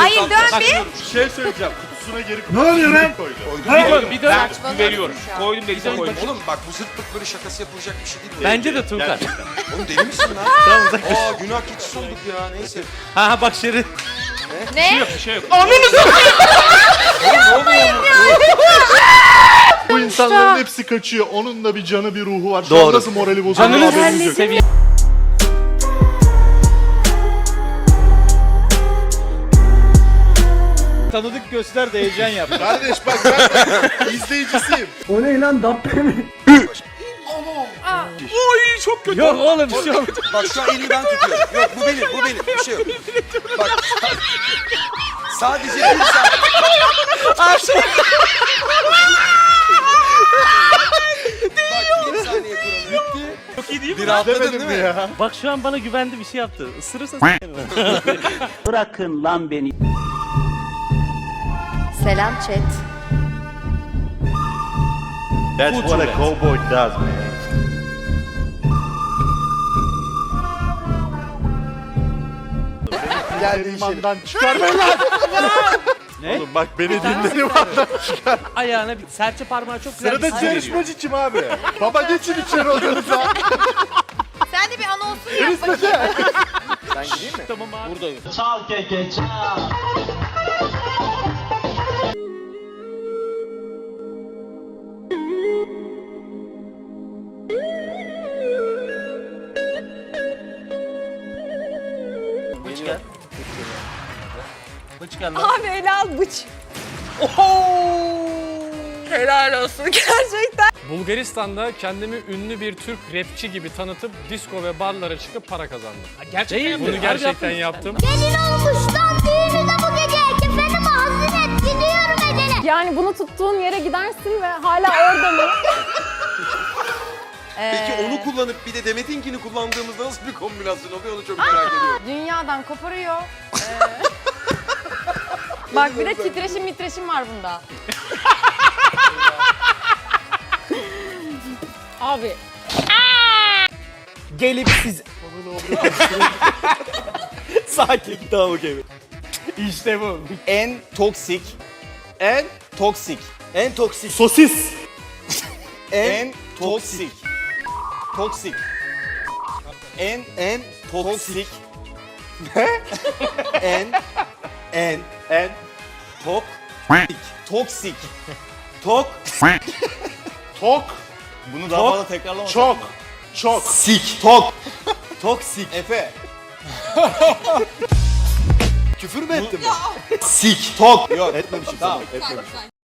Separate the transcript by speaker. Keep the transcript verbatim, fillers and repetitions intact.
Speaker 1: Hayır dön bir.
Speaker 2: Bir şey söyleyeceğim. Kutusuna geri
Speaker 3: Ne oluyor lan?
Speaker 2: koydu.
Speaker 4: Bir dön, bir dön.
Speaker 1: Saçmalama.
Speaker 4: Veriyorum.
Speaker 1: şu an.
Speaker 4: Koydum denize koydum.
Speaker 5: Oğlum bak bu zırt pırt böyle şakası yapılacak bir şey değil.
Speaker 4: Bence de Tuğkan.
Speaker 2: Gerçekten.
Speaker 5: Oğlum deli misin lan?
Speaker 4: Tamam uzaklaş.
Speaker 5: Aa günah keçisi olduk ya neyse.
Speaker 4: Ha ha bak Şeri.
Speaker 1: Ne?
Speaker 4: Yok bir şey yok.
Speaker 2: Bu insanların hepsi kaçıyor. Onun da bir canı bir ruhu var. Şu
Speaker 4: Doğru.
Speaker 2: an nasıl morali bozuldu
Speaker 4: Canını
Speaker 2: haberiniz yok.
Speaker 4: seviye.
Speaker 3: Tanıdık göster de heyecan yap.
Speaker 2: Kardeş bak ben izleyicisiyim.
Speaker 3: O ne lan, Dabbe mi?
Speaker 4: Oy çok kötü.
Speaker 3: Yok oğlum bir şey yok.
Speaker 5: Bak şu an elini ben tutuyorum. Yok bu benim bu benim bir şey yok. Bak sadece bir saniye. Bak bir saniye kuralı bitti.
Speaker 4: Çok iyi değil mi?
Speaker 5: Bir
Speaker 4: lan?
Speaker 5: rahatladın
Speaker 2: Demedim
Speaker 5: değil
Speaker 2: mi
Speaker 5: mi?
Speaker 2: ya?
Speaker 4: Bak şu an bana güvendi bir şey yaptı. Isırırsa s**erim.
Speaker 6: Bırakın lan beni.
Speaker 1: Selam chat.
Speaker 2: That's what a cowboy does man. Gel limandan çıkar beni lan.
Speaker 3: Ne?
Speaker 2: Oğlum bak beni dinle limandan çıkar.
Speaker 4: Ayağına bir serçe parmağı çok güzel
Speaker 2: Sırada
Speaker 4: bir sinyal veriyor.
Speaker 2: yarışmacı kim abi? Baba geçin içeri odanıza.
Speaker 1: Sen de bir anonsunu yap bakayım.
Speaker 5: Ben gideyim mi?
Speaker 4: Tamam abi.
Speaker 3: Buradayım.
Speaker 4: Bıç gel. Bıç gel lan.
Speaker 1: Abi ele al bıç. Helal olsun gerçekten.
Speaker 7: Bulgaristan'da kendimi ünlü bir Türk rapçi gibi tanıtıp disco ve barlara çıkıp para kazandım.
Speaker 4: Gerçekten
Speaker 7: Değil,
Speaker 4: yaptın.
Speaker 7: bunu
Speaker 4: Harbi
Speaker 7: gerçekten
Speaker 4: yaptın.
Speaker 7: yaptım.
Speaker 8: Gelin olmuştan düğününe bu gece kefenimi hazır et gidiyorum Eden'e.
Speaker 9: Yani bunu tuttuğun yere gidersin ve hala orada mı?
Speaker 5: Peki onu kullanıp bir de Demet'inkini kullandığımızda nasıl bir kombinasyon oluyor onu çok merak ediyorum.
Speaker 9: Dünyadan koparıyor. Ee, Bak bir de titreşim mitreşim var bunda. Abi
Speaker 3: Gelip siz... Sakin, tamam okey. İşte bu. En toksik, en toksik, en toksik,
Speaker 2: Sosis.
Speaker 3: en toksik, toksik, en en toksik, en en en tok toksik, tok
Speaker 2: Tok.
Speaker 3: bunu daha
Speaker 2: Tok.
Speaker 3: fazla tekrarlamasak
Speaker 2: Çok.
Speaker 3: mı?
Speaker 2: Çok.
Speaker 3: Sik, tok, toksik. Efe.
Speaker 2: Küfür mü ettim ben?
Speaker 3: Sik, tok. Yok etmemişim. Tamam, etmemişim.